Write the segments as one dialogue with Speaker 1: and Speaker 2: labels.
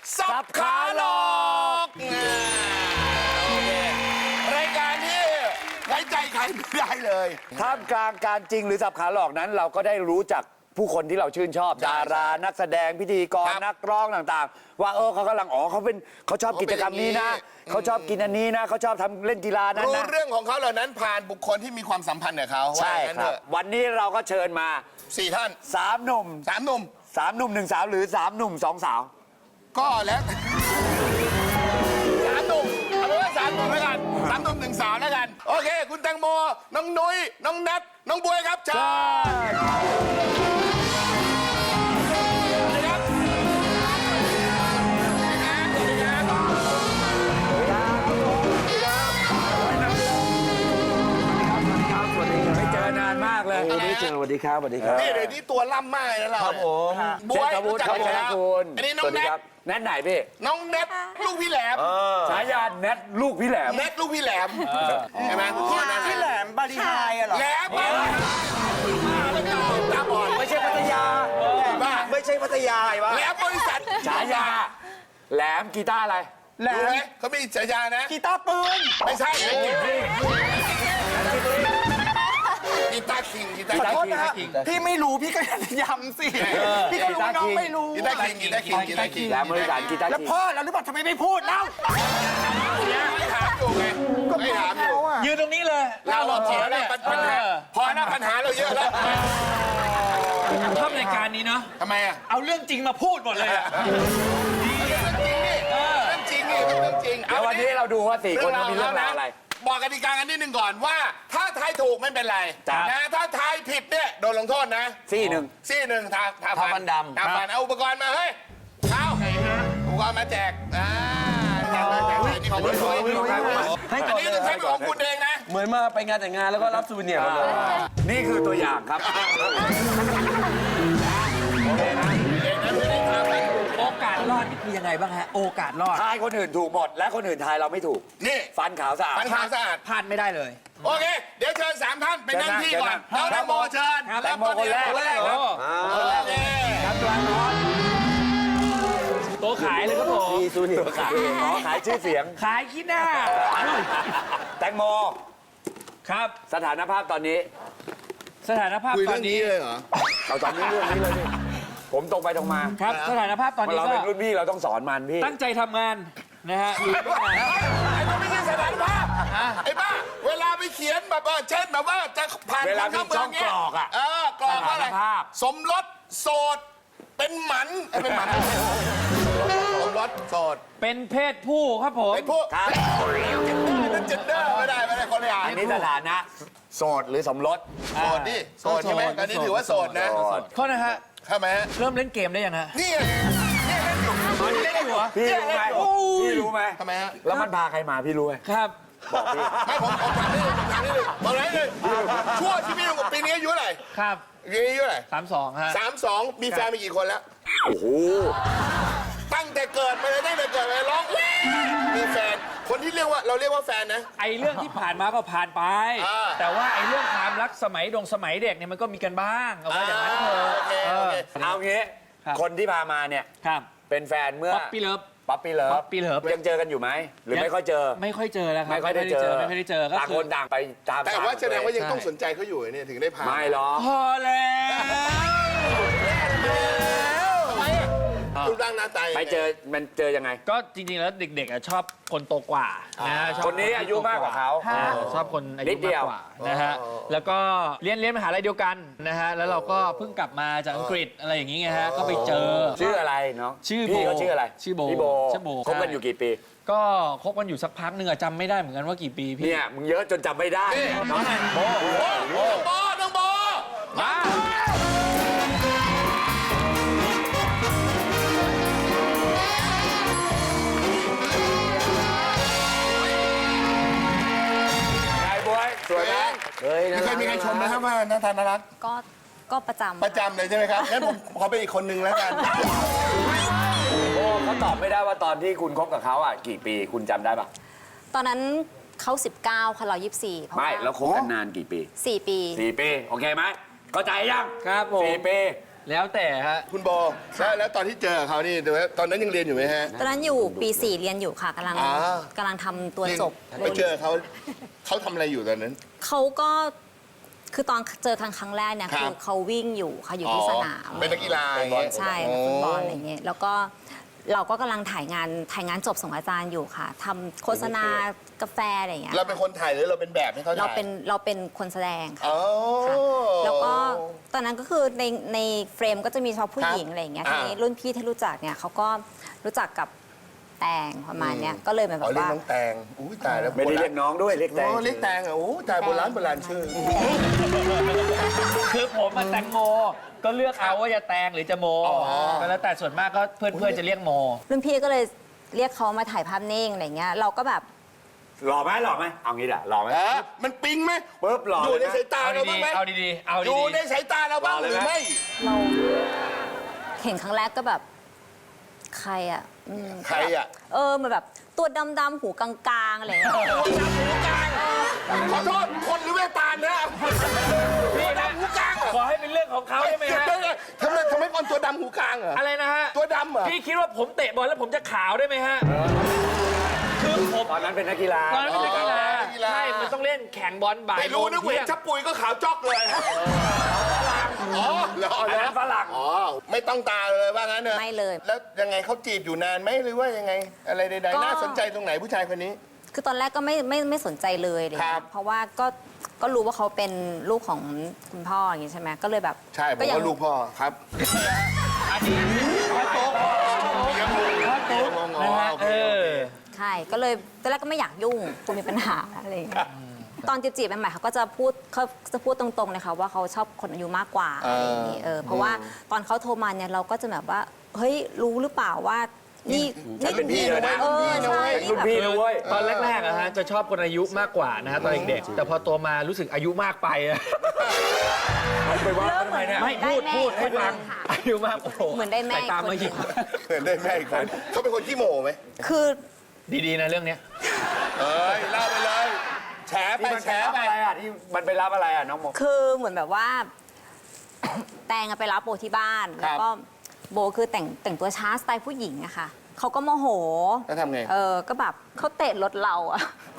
Speaker 1: สับขาหลอกโอเครายการที่ไว้ใจใครไม่ได้เลย
Speaker 2: ท่ามกลางการจริงหรือสับขาหลอกนั้น เราก็ได้รู้จักผู้คนที่เราชื่นชอบดารานักแสดงพิธีกรนักร้องต่างๆว่าเขากำลังเขาชอบกิจกรรมนี้นะเขาชอบกินอันนี้นะเขาชอบทำเล่นกีฬานั้นนะ
Speaker 1: รู้เรื่องของเขาเหล่านั้นผ่านบุคคลที่มีความสัมพันธ์กับเขา
Speaker 2: ใช่ครับวันนี้เราก็เชิญมา
Speaker 1: 4 ท่าน
Speaker 2: 3 หนุ่ม
Speaker 1: 3 หนุ่ม
Speaker 2: 3 หนุ่ม 1 สาวหรือ3 หนุ่ม 2 สาว
Speaker 1: ก็แล้ว3 หนุ่มเอาเป็นว่า3 หนุ่มแล้วกัน3 หนุ่ม 1 สาวแล้วกันโอเคคุณแตงโมน้องนุ้ยน้องนัทน้องบวยครับเชิญ
Speaker 2: ไม่เจอนานมากเลย
Speaker 3: ไม่เจอสวัสดีครับสวัสดีครับ
Speaker 1: นี่เดี๋ยวนี้ตัวล่ำมากนะเรา
Speaker 3: ครับผม
Speaker 1: บวยรู้จักอยู่แล้วอันนี้น้องแนท
Speaker 2: แนทไหนพี่
Speaker 1: น้องแนทลูกพี่แหลม
Speaker 2: ฉายาแนทลูกพี่แหลม
Speaker 1: แนทลูกพี่แหลมใช่ไหม
Speaker 3: พี่แหลมบาลีไฮอะเหรอ
Speaker 1: แหลมตาบอด
Speaker 3: ไม่ใช่พัทยา
Speaker 1: บ้า
Speaker 3: ไม่ใช่พัทยาไอ้วะ
Speaker 1: แหลมบริษัท
Speaker 2: ฉายาแหลมกีตาร์อะไร
Speaker 3: แหลม
Speaker 1: รู้ไหมเขามีฉายานะ
Speaker 3: กีตาร์ปืน
Speaker 1: ไม่ใช่กีตาร์คิงกีตาร์
Speaker 3: ขอโทษนะ
Speaker 1: คิง
Speaker 3: พี่ไม่รู้พี่ก็ย้ำสิพี่ก็รู้น้องไม่รู้
Speaker 1: กีตาร์คิงกีตาร์คิงกีตาร์คิง
Speaker 2: แหลมบริษัทกีตาร์
Speaker 3: แล้ว
Speaker 2: คิง
Speaker 3: พ่อเราหรือเปล่าทำไมไม่พูดเล่า
Speaker 1: ไม่ถามอยู่ไงไม่ถามอยู่
Speaker 3: ยืนตรงนี้เลย
Speaker 1: เราพอแล้วปัญหาพอแล้วปัญหาเราเยอะแล้ว
Speaker 4: ชอบรายการนี้เนาะ
Speaker 1: ทำไมอ่ะ
Speaker 4: เอาเรื่องจริงมาพูดหมดเลยอะ
Speaker 1: เรื่องจริงนี่เรื่องจริง
Speaker 2: แล้ววันนี้เราดูว่า4 คนมีเรื่องราวอะไร
Speaker 1: บอกกติกากันนิดนึงก่อนว่า ถ้าทายถูกไม่เป็นไรนะถ้าทายผิดเนี่ยโดนลงโทษนะ
Speaker 2: ซี่หนึ่ง
Speaker 1: ทาฟันดำเอาอุปกรณ์มาเฮ้ยเข้าอุปกรณ์มาแจกนี่ของคุณอันนี้คือใช้เป็นของคุณเองนะ
Speaker 3: เหมือนมาไปงานแต่งงานแล้วก็รับซูเวเนียร์มาเลย
Speaker 2: นี่คือตัวอย่างครับ
Speaker 4: โอกาสรอดนี่คือยังไงบ้างฮะ โอกาสรอด
Speaker 2: ทายคนอื่นถูกหมดและคนอื่นทายเราไม่ถูก
Speaker 1: นี่
Speaker 2: ฟันขาวสะอาด
Speaker 1: ฟันขาวสะอาด
Speaker 4: พลาดไม่ได้เลย
Speaker 1: โอเคเดี๋ยวเชิญ3 ท่านไปนั่งที่ก่อนน้องแตงโมเชิญ
Speaker 2: แตงโมคนแรก
Speaker 1: คนแรกครับตัวน้อย
Speaker 4: ตัวขายเลยครับผม
Speaker 3: มีซูเวเนียร์
Speaker 2: ขายชื่อเสียง
Speaker 4: ขายขี้หน้า
Speaker 2: แตงโม
Speaker 4: ครับ
Speaker 2: สถานภาพตอนนี้
Speaker 4: สถานภาพ
Speaker 1: คุย
Speaker 4: ตอ
Speaker 1: เรื่อน งนี้
Speaker 4: นี้
Speaker 1: เลยเหรอ
Speaker 2: เอาตอนนี้เรื่องนี้เลยพี่ผมตรงไปตรงมา
Speaker 4: ครับ สถานภาพตอนนี้
Speaker 2: เรา
Speaker 4: ก็
Speaker 2: เป็นรุ่นพี่เราต้องสอนมันพี่
Speaker 4: ตั้งใจทำงานนะฮะ
Speaker 1: ไอ้มันไม่ใช่สถานภาพไอ้บ้าเวลาไปเขียนแบบว่าเช่นแบบว่าจะผ่าน
Speaker 2: เวลามีช่องกรอกอะ
Speaker 1: กรอกว่าอะไร
Speaker 2: สถานภาพ
Speaker 1: สมรสโสดเป็นหมันเป็นหมันสมรสโสด
Speaker 4: เป็นเพศผู้ครับผม
Speaker 1: เป็นพวก
Speaker 2: ครับ
Speaker 1: เป็นเจนเดอร์ไม่ได้คนละอย่าง
Speaker 2: อันนี้สถานะโสดหรือสมรส
Speaker 1: โสดดิโสดใช่ไหมตอนนี้ถือว่าโสดนะ
Speaker 4: โทษนะฮะ
Speaker 1: ทำไมฮะ
Speaker 4: เริ่มเล่นเกมได้ยังฮะ
Speaker 1: นี่ไงนี่เล่นอยู่
Speaker 4: เล่นอยู่เหรอ
Speaker 2: พี่รู้ไหมพี่รู้ไหม
Speaker 1: ทำไมฮะ
Speaker 2: แล้วมันพาใครมาพี่รู้ไหม
Speaker 4: ครับ
Speaker 1: ไม่ผมถามนิดนึงบอกเลยช่วงชีวิตของปีนี้อายุเท่าไหร่
Speaker 4: ครับ
Speaker 1: ปีนี้อายุเท่าไหร่
Speaker 4: 32ฮะ
Speaker 1: 32มีแฟนมีกี่คนแล้ว
Speaker 2: โอ้โห
Speaker 1: ตั้งแต่เกิดมาเลยตั้งแต่เกิดมาร้องมีแฟนคนที่เราเรียกว่าแฟนนะ
Speaker 4: ไอ้เรื่องที่ผ่านมาก็ผ่านไป แต่ว่าไอ้เรื่องความรักสมัยเด็กเนี่ยมันก็มีกันบ้างเอาไว้อย่างนั้นเถอะ
Speaker 1: โอเค
Speaker 2: เอางี้
Speaker 4: ครับ
Speaker 2: คนที่พามาเนี่ย
Speaker 4: ครับ
Speaker 2: เป็นแฟนเมื่อ
Speaker 4: ป๊อปปี้เลิฟ
Speaker 2: ป๊อปปี้เลิฟ
Speaker 4: Puppy Love
Speaker 2: ยังเจอกันอยู่ไหมหรือไม่ค่อยเจอ
Speaker 4: ไม่ค่อยเจอแล้วครับ
Speaker 2: ไม่ค่อยได้เจอ
Speaker 4: ไม่ค่อยได้เจอก็
Speaker 2: ต่าง
Speaker 4: คื
Speaker 2: ค
Speaker 4: อน
Speaker 2: ต่างไปตาม
Speaker 1: แต่ว่าแสดงว่ายัง
Speaker 4: ใช่
Speaker 1: ต้องสนใจเขาอยู่เนี่ยถึงได้พา
Speaker 2: ไม่หรอก
Speaker 4: พอแล้ว
Speaker 1: รูปร่างหน้าตา
Speaker 2: ไปเจอมันเจอยังไง
Speaker 4: ก็จริงๆแล้วเด็กๆอ่ะชอบคนโตกว่านะฮะชอบ
Speaker 2: คนนี้อายุมากกว่าเขา
Speaker 4: ชอบคนอา
Speaker 2: นิ
Speaker 4: ยุ
Speaker 2: ดเดี
Speaker 4: มาก
Speaker 2: ยว
Speaker 4: กว่านะฮะแล้วก็เรียนมหาลัยเดียวกันนะฮะแล้วเราก็เพิ่งกลับมาจากอังกฤษอะไรอย่างงี้ไงฮะก็ไปเจอ
Speaker 2: ชื่ออะไรเนาะ
Speaker 4: ชื่อโบ
Speaker 2: พี่เขาชื่ออะไร
Speaker 4: ชื่อโบ
Speaker 2: พี่โบ
Speaker 4: ชื่อโบ
Speaker 2: คบกันอยู่กี่ปี
Speaker 4: ก็คบกันอยู่สักพักหนึ่งอะจำไม่ได้เหมือนกันว่ากี่ปีพี่
Speaker 2: เนี่ยมึงเยอะจนจำไม่ได้น้องโบ
Speaker 1: น้องโบ
Speaker 4: มา
Speaker 2: ไอ้บวยสวยไหม
Speaker 1: ไม่เคยมีใครชมนะครับว่าหน้าตาน่ารัก
Speaker 5: ก็ประจำ
Speaker 1: ประจำเลยใช่ไหมครับงั้นผมขอเป็นอีกคนนึงแล้วกัน
Speaker 2: โบเขาตอบไม่ได้ว่าตอนที่คุณคบกับเขาอ่ะกี่ปีคุณจำได้ปะ
Speaker 5: ตอนนั้นเขา19ค่ะเรา24เพราะ
Speaker 2: ไม่
Speaker 5: ว่า
Speaker 2: แล้วคบกันนานกี่ปี
Speaker 5: 4 ปี
Speaker 2: 4 ปีโอเคไหมเข้าใจยัง
Speaker 4: ครับผม
Speaker 2: 4 ปี
Speaker 4: แล้วแต่ฮะ
Speaker 1: คุณโบแล้วตอนที่เจอเขานี่ตอนนั้นยังเรียนอยู่ไหมฮะ
Speaker 5: ตอนนั้นอยู่ปี 4 เรียนอยู่ค่ะกำลัง
Speaker 1: อ่า
Speaker 5: กำลังทำตัวจบ
Speaker 1: ไปเจอเขาทำอะไรอยู่ตอนนั้น
Speaker 5: เขาก็คือตอนเจอครั้งแรกเนี่ย
Speaker 1: ครับ
Speaker 5: คือเขาวิ่งอยู่ค่ะอยู่ที่สนาม
Speaker 1: เป็นนักกีฬา
Speaker 5: ใช่นักฟุตบอลอะไรเงี้ยแล้วก็เราก็กำลังถ่ายงานจบส่งอาจารย์อยู่ค่ะทำโฆษณากาแฟอะไรอย่างเงี้ย
Speaker 1: เราเป็นคนถ่ายหรือเราเป็นแบบให้เขาถ่าย
Speaker 5: เราเป็นคนแสดงค่ะ
Speaker 1: อ๋อ
Speaker 5: ค่ะแล้วก็ตอนนั้นก็คือในเฟรมก็จะมีเฉพาะผู้หญิงอะไรอย่างเงี้ย
Speaker 1: อ่า
Speaker 5: ทีนี้รุ่นพี่ที่รู้จักเนี่ยเขาก็รู้จักกับแตงประมาณเนี้ยก็เลยเหมือนแบ
Speaker 1: อ๋อบ เรียก
Speaker 5: ว่า
Speaker 1: น้องแตงอุ้ยตายแล้ว
Speaker 2: ไม่ได้เรียกน้องด้วยเรียกแตง
Speaker 1: โอ้เรียกแตงอ่ะโอ้ตายโบราณชื่อ
Speaker 4: คือผมมาแตงโมก็เลือกเอาว่าจะแตงหรือจะโมก็แล้วแต่ส่วนมากก็เพื่อนๆจะเรียกโม
Speaker 5: รุ่นพี่ก็เลยเรียกเขามาถ่ายภาพนิ่งอะไรเงี้ยเราก็แบบ
Speaker 2: หล่อไหมเอางี้ด่ะหล่อไหม
Speaker 1: มันปิ๊งไหม
Speaker 2: ปุ๊บหล่อ
Speaker 1: อยู่ใน
Speaker 2: เลยนะ
Speaker 1: สายตา
Speaker 4: เอา
Speaker 1: เรา
Speaker 4: ดี
Speaker 1: บ้างไหม
Speaker 4: ๆเอาดีๆเอา
Speaker 1: อ
Speaker 4: ดี
Speaker 1: ยู่ในสายตาเราบ้างหรือไม่
Speaker 5: เราเห็นครั้งแรกก็แบบใครอ่ะ
Speaker 1: ใครอ่ะ
Speaker 5: เหมือนแบบตัวดำๆหูกลางๆอะไรเงี้ย
Speaker 1: ขอโทษคนหรือแม่ตาลนะตัวดำหูกลางเหรอ
Speaker 4: ขอให้เป็นเรื่องของเขาได้ไหมฮะ
Speaker 1: ทำไมคนตัวดำหูกลางเหรอ
Speaker 4: อะไรนะฮะ
Speaker 1: ตัวดำเหรอ
Speaker 4: พี่คิดว่าผมเตะบอลแล้วผมจะขาวได้ไหมฮะคือผม
Speaker 2: ตอนนั้นเป็นนักกีฬา
Speaker 4: ตอนนั้นเป็นนักกีฬา
Speaker 1: นักกีฬา
Speaker 4: ใช่มันต้องเล่นแข่งบอลบ่าย
Speaker 1: ไม่รู้นึก
Speaker 4: โมง
Speaker 1: เห็น
Speaker 4: ที่ยง
Speaker 1: ชับปุ๋ยก็ขาวจอกเลยอ๋อเหรอ
Speaker 2: อันนั้นฝรั่ง
Speaker 1: อ๋อไม่ต้องตาเลยว่างั้นเนอะ
Speaker 5: ไม่เลย
Speaker 1: แล้วยังไงเขาจีบอยู่นานไหมหรือว่ายังไง อะไรใด
Speaker 5: ก็
Speaker 1: ๆน่าสนใจตรงไหนผู้ชายคนนี้
Speaker 5: คือตอนแรกก็ไม่สนใจเลยอะไร
Speaker 1: ครั
Speaker 5: เงี้
Speaker 1: บ
Speaker 5: ยเพราะว่าก็รู้ว่าเขาเป็นลูกของคุณพ่ออย่างงี้ใช่ไหมก็เลยแบบ
Speaker 1: ใช่ผม
Speaker 5: ยั
Speaker 1: ก็ลูกพ่อครับ
Speaker 4: อันนี้พ่อโต๊ะพ่อโต๊ะนะฮะ
Speaker 5: ใช่ก็เลยตอนแรกก็ไม่อยากยุ่งคุณมีปัญหาอะไรอย่างเงี้ยตอนจีบๆใหม่ๆเขาก็จะพูดตรงๆเลยค่ะว่าเขาชอบคนอายุมากกว่าอะไรอย่างงี้เพราะว่าตอนเขาโทรมาเนี่ยเราก็จะแบบว่าเฮ้ยรู้หรือเปล่าว่านี่
Speaker 1: ฉันเป็นพี่เลยนะ
Speaker 5: ใช่
Speaker 2: เป็นรุ่นพี่นะเว้ย
Speaker 4: ตอนแรกๆอะฮะจะชอบคนอายุมากกว่านะฮะตอนเด็กๆแต่พอโตมารู้สึกอายุมากไปอะ
Speaker 2: ไปว่า
Speaker 5: เริ่มเหมือน
Speaker 4: ไม่พูดให้ฟังอายุมากโอ้โห
Speaker 5: เหมือนได้แม่
Speaker 4: สายตามาหยิบ
Speaker 1: เหมือนได้แม่อีกคนเขาเป็นคนขี้โมไหม
Speaker 5: คือ
Speaker 4: ดีๆนะเรื่องเนี้ย
Speaker 1: เอ้ยเล่าไปเลยแฉไป
Speaker 2: ที่มัน
Speaker 1: แฉ
Speaker 2: ไปรับ
Speaker 1: ไป
Speaker 2: อะไรอ่ะที่มันไปรับอะไรอ่ะน้องโม
Speaker 5: คือเหมือนแบบว่า แตงอะไปรับโบที่บ้าน แล้วก็โบคือแต่งตัวช้าสไตล์ผู้หญิงอะค่ะเขาก็โมโห
Speaker 1: แล้วทำไง
Speaker 5: ก็แบบเขาเตะรถเราอะ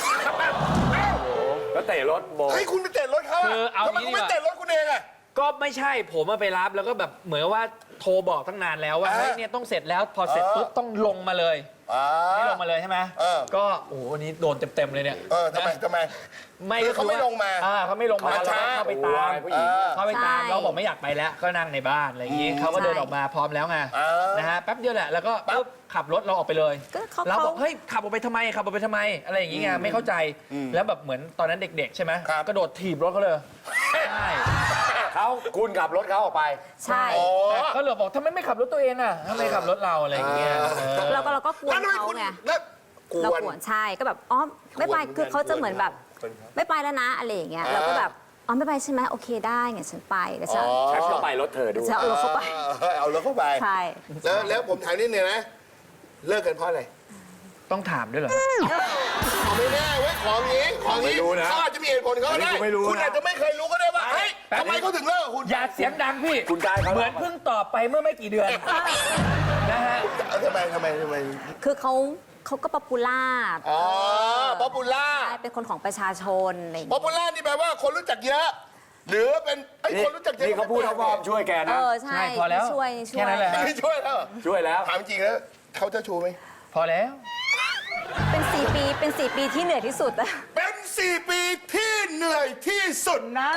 Speaker 2: แล้วเตะรถโบ
Speaker 1: เฮ้ยคุณไปเตะรถเขา
Speaker 4: คือเอา
Speaker 1: ทำไม
Speaker 4: งี้
Speaker 1: คุณ
Speaker 4: ดีก
Speaker 1: ไม่
Speaker 4: ว่า
Speaker 1: เตะรถคุณเองอะ
Speaker 4: ก็ไม่ใช่ผมมาไปรับแล้วก็แบบเหมือนว่าโทรบอกตั้งนานแล้วว่าเฮ้ยเนี่ยต้องเสร็จแล้วพอเสร็จปุ๊บต้องลงมาเลยไม่ลงมาเลยใช่ไหมก็โอ้โหวันนี้โดนเต็มๆเลยเนี่ย
Speaker 1: ทำไม
Speaker 4: ไม่
Speaker 1: คือเขาไม่ลงมา
Speaker 4: เขาไม่ลงมา
Speaker 1: เขา
Speaker 4: แล้ว
Speaker 1: ช้า
Speaker 4: ก็เข้าไปตาม
Speaker 2: ผู้หญิง
Speaker 4: เข้าไปตามเราบอกไม่อยากไปแล้วก็นั่งในบ้านอะไรอย่างงี้เขาก็เดินออกมาพร้อมแล้วไงนะฮะแป๊บเดียวแหละแล้วก็ปุ๊บขับรถเราออกไปเลย
Speaker 5: ก็เขา
Speaker 4: เราบอกเฮ้ยขับออกไปทำไมขับออกไปทำไมอะไรอย่างงี้ไงไม่เข้าใจแล้วแบบเหมือนตอนนั้นเด็กๆใช่ไหมกระโดดถีบรถเขาเลยใช่
Speaker 2: คุณขับรถเขาออกไป
Speaker 5: ใช่
Speaker 4: เขาเลยบอกทำไมไม่ขับรถตัวเองอ่ะทำไมขับรถเราอะไรอย่างเงี้ย
Speaker 5: เราก็กวน
Speaker 1: แล้วทำไม
Speaker 5: เขา
Speaker 1: คุณ
Speaker 5: ไง
Speaker 1: แล้วก
Speaker 5: เรา
Speaker 1: วน
Speaker 5: กวนใช่ก็แบบอ๋อไม่ไปคือเขาจะเหมือนแบบไม่ไปแล้วนะอะไรอย่างเงี้ยเราก็แบบอ๋อไม่ไปใช่ไหมโอเคได้งั้นฉันไปแล้วฉัน
Speaker 2: ฉันก็ไปรถเธอดู
Speaker 5: จะเอารถเข้าไป
Speaker 1: เอารถเข้าไป
Speaker 5: ใช่
Speaker 1: แล้วผมถามนิดนึงนะ เลิกกันเพราะอะไร
Speaker 4: ต้องถามด้วยเหรอ
Speaker 1: ไม่แน่เว้ยของนี้
Speaker 2: ไม่รู้นะ
Speaker 1: เขาอาจจะมีเหตุผลเขาก็ได้
Speaker 2: อันนี้กูไม่รู้นะ
Speaker 1: คุณอาจจะไม่เคยรู้ก็ได้ว่าเฮ้ย
Speaker 4: แป๊บ
Speaker 1: ทำไมเขาถึงเลิกกับคุณ
Speaker 4: อย่าเสียงดังพี่
Speaker 2: คุณกายเขา
Speaker 4: เหมือนเพิ่งตอบไปเมื่อไม่กี่เดือนนะฮะ
Speaker 1: ทำไม
Speaker 5: คือเขาก็ป๊อปปูล่า
Speaker 1: อ๋อป๊อปปูล่า
Speaker 5: ใช่เป็นคนของประชาชนอะไรอย่าง
Speaker 1: ป๊อป
Speaker 5: เงี้ย
Speaker 1: ปูล่านี่แปลว่าคนรู้จักเยอะ หรือเป็นไอ้คนรู้จักเยอะ
Speaker 2: นี่เขาพูดเขาบอกช่วยแกนะ
Speaker 5: ใช่
Speaker 4: ใช่พอแล้ว
Speaker 5: ช่วย
Speaker 4: แค่นั้นแหละ
Speaker 1: ไม่ช่วยแล้วเหรอ
Speaker 2: ช่วยแล้ว
Speaker 1: ถามจริงแล้วเขาเจะชูไหม
Speaker 4: พอแล้ว
Speaker 5: เป็น4 ปีที่เหนื่อยที่สุดอะ
Speaker 1: เป็น 4 ปีที่เหนื่อยที่สุดนั้น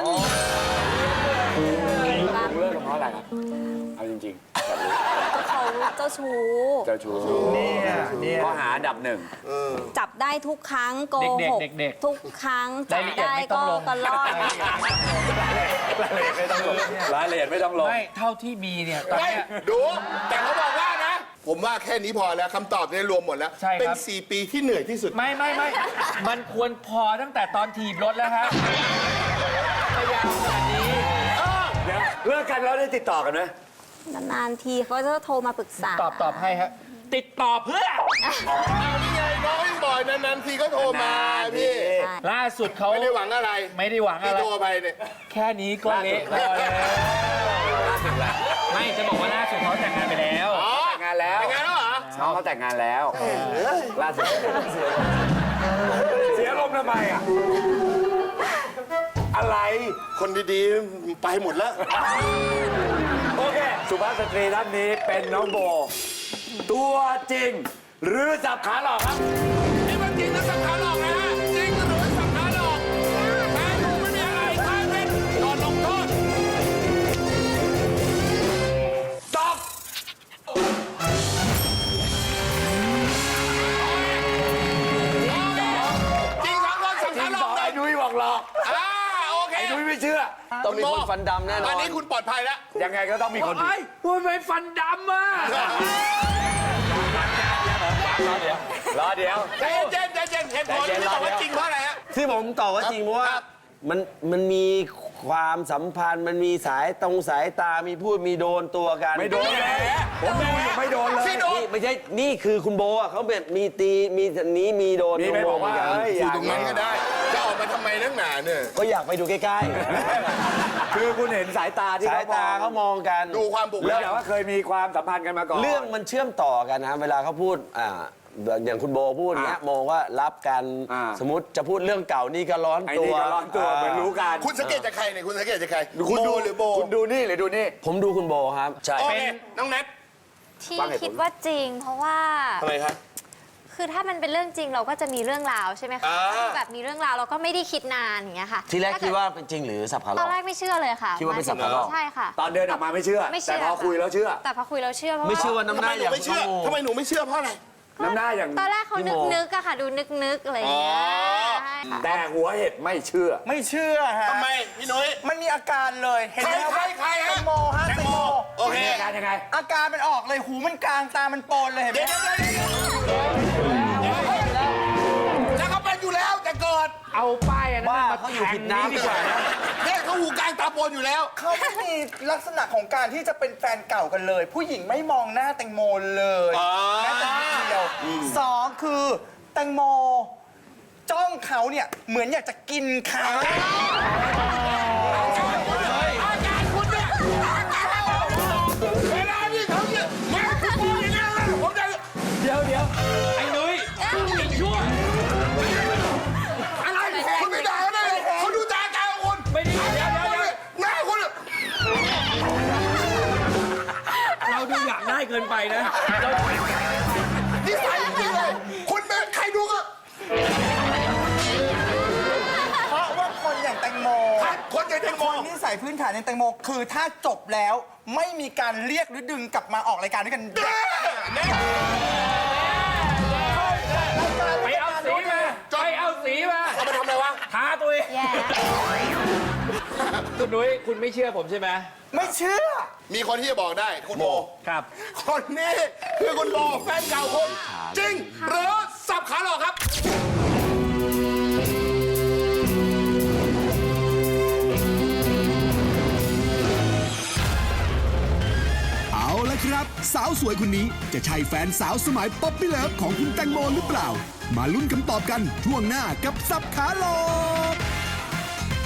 Speaker 2: ผมเลิกกับเพราะอะไรครับ เอาจริงๆแบบนี้
Speaker 5: ก็เขาเจ้าชู้
Speaker 2: เจ้าชู้ข้อหาอันดับหนึ่ง
Speaker 5: จับได้ทุกครั้งโกหก
Speaker 4: เด็กๆ
Speaker 5: ทุกครั้งจับ
Speaker 4: รายละเอียด
Speaker 5: ได้
Speaker 4: ไม่ต้อ
Speaker 5: ก็
Speaker 4: งลง
Speaker 5: ตลอด
Speaker 2: รายละเอียดไม่ต้องลง
Speaker 4: ไม่เท่าที่มีเนี่ยตอน
Speaker 1: ไม่
Speaker 4: เนี้ย
Speaker 1: ดู แต่เขาบอกว่านะ ผมว่าแค่นี้พอแล้วคำตอบเนี่ยรวมหมดแล้ว
Speaker 4: ใช่ครับ
Speaker 1: เป็น 4 ปีที่เหนื่อยที่สุด
Speaker 4: ไม่มันควรพอตั้งแต่ตอนถีบรถแล้วฮะพยายามขนาดนี้
Speaker 2: เดี๋ยวเลิกกันแล้วได้ติดต่อกันไหม
Speaker 5: นานๆทีเขาจะโทรมาปรึกษา
Speaker 4: ตอบให้ฮะติดต่อเพื่อ
Speaker 1: เอานี่ไงน้องยังบอกนานๆทีก็โทรมาพี่
Speaker 5: ใช่
Speaker 4: ล่าสุดเขา
Speaker 1: ไม่ได้หวังอะไร
Speaker 4: ไม่ได้หวัง
Speaker 1: ที่
Speaker 4: อะไร
Speaker 1: โทรไปเนี่ย
Speaker 4: แค่นี้ก็เละพอแล้วไม่จะบอกว่าล่าสุดเขาแต่งงานไปแล้ว
Speaker 2: แต่งงานแล้ว
Speaker 1: แต่งงานแล้วเหรอ
Speaker 2: น้องเขาแต่งงานแล้วล่าสุดเสียลมณ์ทำไมอ่ะ อะไร
Speaker 1: คนดีๆ ไปหมดแล้ว
Speaker 2: โอเค สุภาพสตรีท่านนี้เป็นน้องโบ ตัวจริง หรือสับขาหลอกครับ
Speaker 1: นี่มันจริงนะสับขาหลอกนะฮะจริงหรือสับขาหลอกแพ้ถูกไม่มีอะไรท้ายเป็นโดนลงโทษ
Speaker 2: ตอบ
Speaker 1: จริงทั้งคนสับ
Speaker 2: จริ
Speaker 1: ขาง หล
Speaker 2: ต่
Speaker 1: อ
Speaker 2: อก ไอ้
Speaker 1: เลย
Speaker 2: นุ้ยบอกหลอก
Speaker 1: โอเค
Speaker 2: ไอ้นุ้ยไม่เชื่อ
Speaker 3: ต้องมีคนฟันดำแน่นอน
Speaker 1: อันนี้คุณปลอดภัยแล้ว
Speaker 2: ยังไงก็ต้องมีคนผิด
Speaker 4: ไอ้พูดไปฟันดำอ่ะ
Speaker 2: รอเดี๋ยว
Speaker 1: ใจเย็นใจเย็นเหตุผลที่บอกว่าจริงเพราะอะไรฮะ
Speaker 3: ที่ผมตอบว่าจริงเพราะว่า
Speaker 1: ครับ
Speaker 3: มันมีความสัมพันธ์มันมีสายตามีพูดมีโดนตัวกัน
Speaker 2: ไม่โดนแหละผมไม่โดนเลย
Speaker 1: ที่โดน
Speaker 3: นี่ไม่ใช่นี่คือคุณโบอ่ะเขาแบบมีตีมีนี้มีโดน
Speaker 2: มีไปบอกว่า
Speaker 3: โดนเหมืนน
Speaker 2: เอ้ย
Speaker 1: อยู่ตรงนั้นก็ได้ จะออกมาทำไมนักหนาเนี่ย
Speaker 3: ก็อยากไปดูใกล้
Speaker 2: คือคุณเห็นสายตา
Speaker 3: ๆ
Speaker 2: ที่
Speaker 3: สายตาเขามองกัน
Speaker 1: ดูความบุก
Speaker 2: แล้ว
Speaker 1: เบิก
Speaker 2: แต่ว่าเคยมีความสัมพันธ์กันมาก่อน
Speaker 3: เรื่องมันเชื่อมต่อกันนะเวลาเขาพูดอย่างคุณโบพูดเนี้ยมองว่ารับกัน สมมติจะพูดเรื่องเก่านี่ก็ร้อน
Speaker 2: ไอ้
Speaker 3: ตั
Speaker 2: นี่
Speaker 3: ว
Speaker 2: ก็ร้อนตัวเหมือนรู้กัน
Speaker 1: คุณสังเกตจากใครเนี่ยคุณสังเกตจากใคร
Speaker 2: คุณดู
Speaker 1: หรือโบ
Speaker 2: คุณดูนี่หรือดูนี่
Speaker 3: ผมดูคุณโบครับ ใช่
Speaker 1: โอเคน้องแนท
Speaker 6: ที่
Speaker 2: ฟังเหตุผล
Speaker 6: คิดว่าจริง เพราะว่า
Speaker 1: ทำไมครับ
Speaker 6: คือถ้ามันเป็นเรื่องจริงเราก็จะมีเรื่องราวใช่ไหมคะ
Speaker 1: อ่า
Speaker 6: ถ้าแบบมีเรื่องราวเราก็ไม่ได้คิดนานอย่างเงี้ยค่ะ
Speaker 3: ทีแรก
Speaker 6: ถ้เ
Speaker 3: คิดว่าเป็นจริงหรือสับขาหล
Speaker 6: ตอ
Speaker 3: อน ก
Speaker 6: แรกไม่เชื่อเลยค่ะ
Speaker 3: คิดว่าเป็นสับขาหลอก
Speaker 6: ใช่ค่ะ
Speaker 2: ตอนเดินออกมาไม่เชื่อ
Speaker 6: ไม่เชื่
Speaker 2: แต่
Speaker 6: อ
Speaker 2: พอคุยแล้วเชื่อ
Speaker 6: แต่พอคุยแล้วเชื่อเพราะ
Speaker 3: ไม่เชื่อ
Speaker 6: ว่า
Speaker 3: ว่าน้ำห
Speaker 1: ทำไม
Speaker 3: น้า
Speaker 1: หนู
Speaker 3: อย่าง
Speaker 1: ไม่เชื่อ
Speaker 3: คุณโบ
Speaker 1: ทำไมหนูไม่เชื่อเพราะอะไร
Speaker 2: น้ำหน้าอย่าง
Speaker 6: ตอนแรกเขา
Speaker 3: พี่โม
Speaker 6: นึกๆอะค่ะ ดูนึกๆอะไรอย่างเงี้ย
Speaker 1: อ๋อ
Speaker 6: ใช่ค่ะ
Speaker 2: แต่หัวเห็ดไม่เชื่อ
Speaker 3: ไม่เชื่อฮะ
Speaker 1: ทำไมพี่นุ้ย
Speaker 3: มันมีอาการเลย เห็นไหม
Speaker 1: ใครฮะ
Speaker 3: แตงโมฮะ
Speaker 1: แตงโมโอเค
Speaker 2: อาการยังไง
Speaker 3: อาการมันออกเลยหูมันกลางตามันโปนเลยเห็นไหม
Speaker 1: เดี๋ยวแล้วเขาเป็นอยู่แล้วแต่เกิด
Speaker 4: เอาป้ายอันนั้น
Speaker 3: ว่า
Speaker 4: มา
Speaker 3: เขาอยู่
Speaker 4: แท
Speaker 3: ผิ
Speaker 4: ง
Speaker 3: ด
Speaker 4: นี้
Speaker 3: น้ำ
Speaker 4: ดีกว่านะ
Speaker 1: เนี่ยเขาหูกลางตาโปนอยู่แล้ว
Speaker 7: เขาไม่มีลักษณะของการที่จะเป็นแฟนเก่ากันเลย ผู้หญิงไม่มองหน้าแตงโมเลยแม้แต่นิดเดียวสองคือแตงโม จ้องเขาเนี่ยเหมือนอยากจะกินเขา
Speaker 1: อาการคุณเนี่ยเวลาที่เขาเนี่ยมาคุณมองอย่างนั้นนะผมจะ
Speaker 4: เดี๋ยวไอ้นุ้ยไอ้ชั่ว
Speaker 1: อะไรคุณไม่ด่าเขาได้เลยเขาดูตาตาคุณ
Speaker 4: ไม่ได้เดี๋ยว
Speaker 1: หน้าคุณ
Speaker 4: เราดูอยากได้เกินไปนะ
Speaker 1: นิสัยจริงๆเลยคุณเป็นใครดูก็
Speaker 7: เพราะว่าคนอย่างแตงโม
Speaker 1: คนใจแตงโม
Speaker 7: คนนิสัยพื้นฐานในแตงโม คือถ้าจบแล้วไม่มีการเรียกหรือดึงกลับมาออกรายการด้วยกัน
Speaker 4: ไปเอาสีมาไปเอาสีมา
Speaker 1: เอามาทำอะไรวะ
Speaker 4: ทาตัวเอง
Speaker 6: แย่
Speaker 4: คุณนุ้ยคุณไม่เชื่อผมใช่ไหม
Speaker 7: ไม่เชื่อ
Speaker 1: มีคนที่จะบอกได้คุณโบ
Speaker 4: ครับ
Speaker 1: คนนี้คือคุณโบแฟนเก่าคุณจริงหรือสับขาหลอกครับ
Speaker 8: เอาละครับ สาวสวยคนนี้จะใช่แฟนสาวสมัยป๊อปปี้เลิฟของคุณแตงโมหรือเปล่า มาลุ้นคำตอบกันช่วงหน้ากับสับขาหลอก